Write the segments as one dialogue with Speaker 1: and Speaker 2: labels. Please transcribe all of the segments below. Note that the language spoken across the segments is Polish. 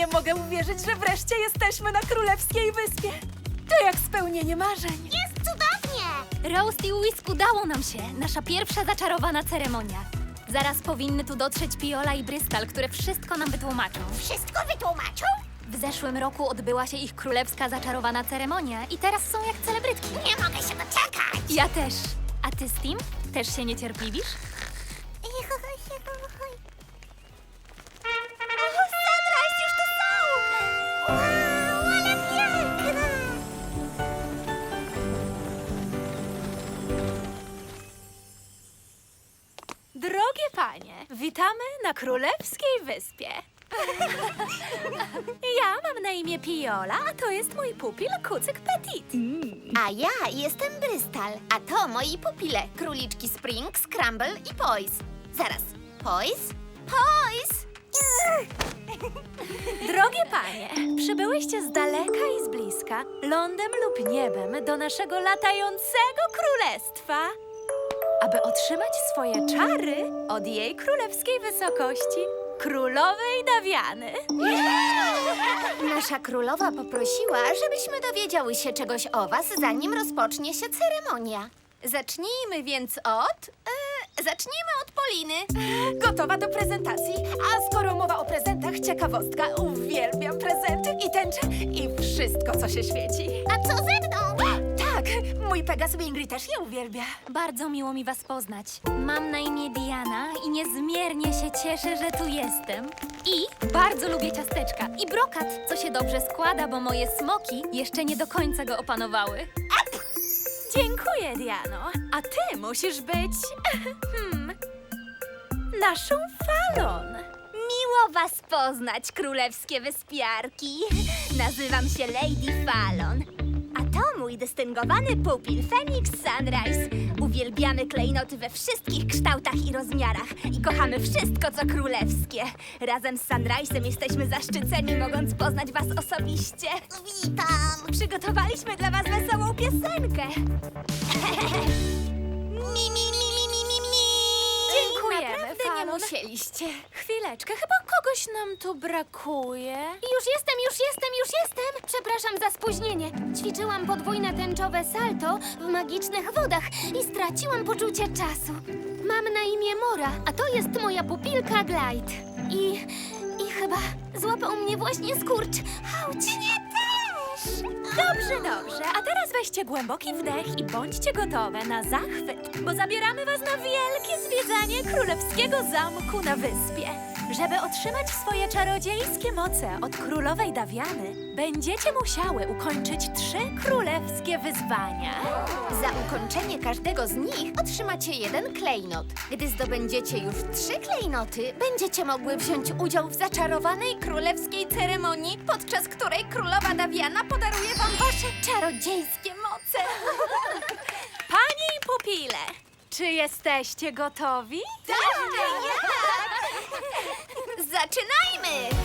Speaker 1: Nie mogę uwierzyć, że wreszcie jesteśmy na Królewskiej Wyspie. To jak spełnienie marzeń.
Speaker 2: Jest cudownie!
Speaker 3: Roast i Whisk udało nam się. Nasza pierwsza zaczarowana ceremonia. Zaraz powinny tu dotrzeć Piola i Brystal, które wszystko nam wytłumaczą.
Speaker 2: Wszystko wytłumaczą?
Speaker 3: W zeszłym roku odbyła się ich królewska zaczarowana ceremonia i teraz są jak celebrytki.
Speaker 2: Nie mogę się doczekać!
Speaker 3: Ja też. A ty, Steam? Też się niecierpliwisz?
Speaker 2: Sunrise już tu są! Wow, ale piękne!
Speaker 1: Drogie panie, witamy na Królewskiej Wyspie. Ja mam na imię Piola, a to jest mój pupil Kucyk Petit.
Speaker 2: A ja jestem Brystal, a to moi pupile, króliczki Spring, Scramble i Poise. Zaraz, Poise? Poise!
Speaker 1: Drogie panie, przybyłyście z daleka i z bliska, lądem lub niebem do naszego latającego królestwa, aby otrzymać swoje czary od jej królewskiej wysokości, królowej Dawiany.
Speaker 2: Nasza królowa poprosiła, żebyśmy dowiedziały się czegoś o was, zanim rozpocznie się ceremonia. Zacznijmy więc zacznijmy od Poliny.
Speaker 1: Gotowa do prezentacji, a skoro mowa o prezentach, ciekawostka, uwielbiam prezenty i tęcze i wszystko, co się świeci.
Speaker 2: A co ze mną?
Speaker 1: Tak, mój Pegas Wingry też je uwielbia.
Speaker 3: Bardzo miło mi was poznać. Mam na imię Diana i niezmiernie się cieszę, że tu jestem. I bardzo lubię ciasteczka i brokat, co się dobrze składa, bo moje smoki jeszcze nie do końca go opanowały.
Speaker 1: Dziękuję, Diano. A ty musisz być... naszą Falon.
Speaker 4: Miło was poznać, królewskie wyspiarki. Nazywam się Lady Fallon. A to mój dystyngowany pupil Phoenix Sunrise. Uwielbiamy klejnoty we wszystkich kształtach i rozmiarach i kochamy wszystko, co królewskie. Razem z Sunrise'em jesteśmy zaszczyceni, mogąc poznać was osobiście.
Speaker 2: Witam!
Speaker 4: Przygotowaliśmy dla was wesołą piosenkę.
Speaker 1: Dziękujemy,
Speaker 2: Naprawdę nie
Speaker 1: Falon.
Speaker 2: musieliście.
Speaker 1: Chwileczkę, chyba kogoś nam tu brakuje.
Speaker 3: Już jestem! Przepraszam za spóźnienie. Ćwiczyłam podwójne tęczowe salto w magicznych wodach i straciłam poczucie czasu. Mam na imię Mora, a to jest moja pupilka Glide. I chyba złapał mnie właśnie skurcz. Auć!
Speaker 2: Nie też!
Speaker 1: Dobrze. A teraz weźcie głęboki wdech i bądźcie gotowe na zachwyt, bo zabieramy was na wielkie zwiedzanie królewskiego zamku na wyspie. Żeby otrzymać swoje czarodziejskie moce od królowej Dawiany, będziecie musiały ukończyć 3 królewskie wyzwania.
Speaker 2: Za ukończenie każdego z nich otrzymacie 1 klejnot. Gdy zdobędziecie już 3 klejnoty, będziecie mogły wziąć udział w zaczarowanej królewskiej ceremonii, podczas której królowa Dawiana podaruje wam wasze czarodziejskie moce.
Speaker 1: Panie i pupile, czy jesteście gotowi?
Speaker 2: Zaczynajmy!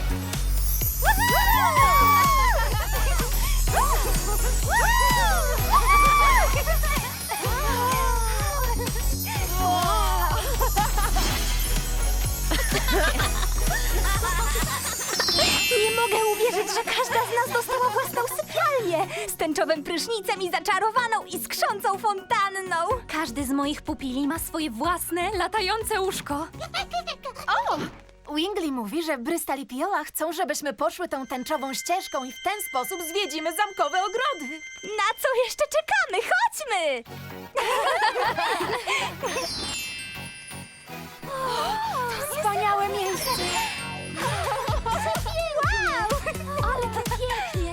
Speaker 4: Nie mogę uwierzyć, że każda z nas dostała własną sypialnię z tęczowym prysznicem i zaczarowaną i skrzącą fontanną.
Speaker 3: Każdy z moich pupili ma swoje własne, latające łóżko.
Speaker 1: Wingley mówi, że Brystal i Piola chcą, żebyśmy poszły tą tęczową ścieżką i w ten sposób zwiedzimy zamkowe ogrody.
Speaker 4: Na co jeszcze czekamy? Chodźmy!
Speaker 1: Wspaniałe miejsce!
Speaker 4: Wow!
Speaker 3: Ale to pięknie!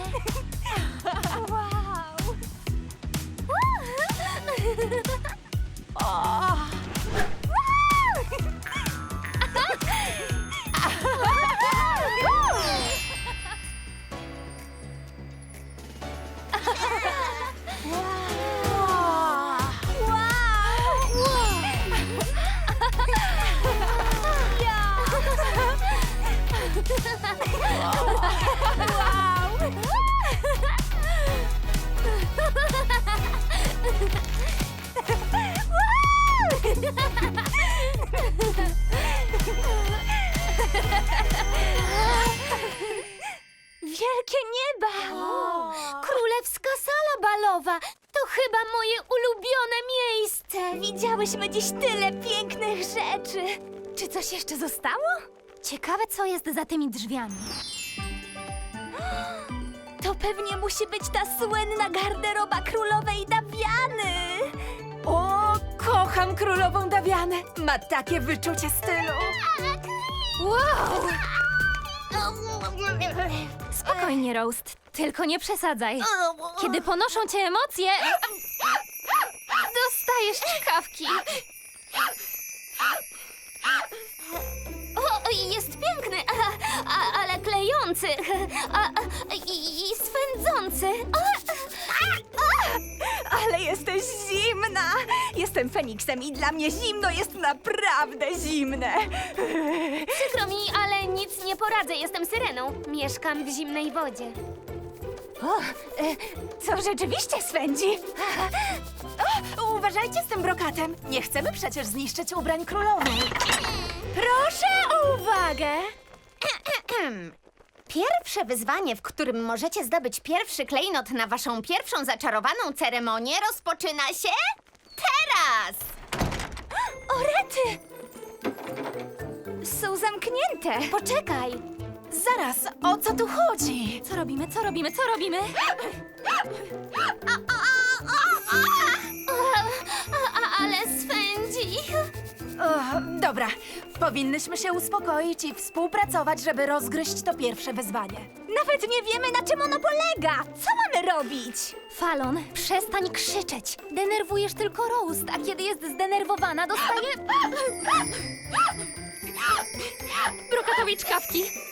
Speaker 4: wielkie nieba!
Speaker 3: Królewska sala balowa! To chyba moje ulubione miejsce!
Speaker 4: Widziałyśmy dziś tyle pięknych rzeczy. Czy coś jeszcze zostało?
Speaker 1: Ciekawe, co jest za tymi drzwiami.
Speaker 4: To pewnie musi być ta słynna garderoba królowej Dawiany.
Speaker 1: O, kocham królową Dawianę. Ma takie wyczucie stylu. Wow! Spokojnie, Roast. Tylko nie przesadzaj. Kiedy ponoszą cię emocje, dostajesz czkawki.
Speaker 3: O, jest piękny, ale klejący i swędzący.
Speaker 4: Ale jesteś zimna! Jestem Feniksem i dla mnie zimno jest naprawdę zimne.
Speaker 3: Przykro mi, ale nic nie poradzę. Jestem syreną. Mieszkam w zimnej wodzie.
Speaker 4: Co rzeczywiście swędzi?
Speaker 1: Uważajcie z tym brokatem. Nie chcemy przecież zniszczyć ubrań królowej. Proszę o uwagę.
Speaker 2: Pierwsze wyzwanie, w którym możecie zdobyć pierwszy klejnot na waszą pierwszą zaczarowaną ceremonię, rozpoczyna się teraz!
Speaker 4: O rety! Są zamknięte.
Speaker 3: Poczekaj.
Speaker 1: Zaraz, o co tu chodzi?
Speaker 3: Co robimy? Co robimy? Co robimy? Ale swędzi.
Speaker 1: O, dobra, powinnyśmy się uspokoić i współpracować, żeby rozgryźć to pierwsze wyzwanie.
Speaker 4: Nawet nie wiemy, na czym ono polega. Co mamy robić?
Speaker 3: Falon, przestań krzyczeć. Denerwujesz tylko Roast, a kiedy jest zdenerwowana, dostaje... brokatowej czkawki.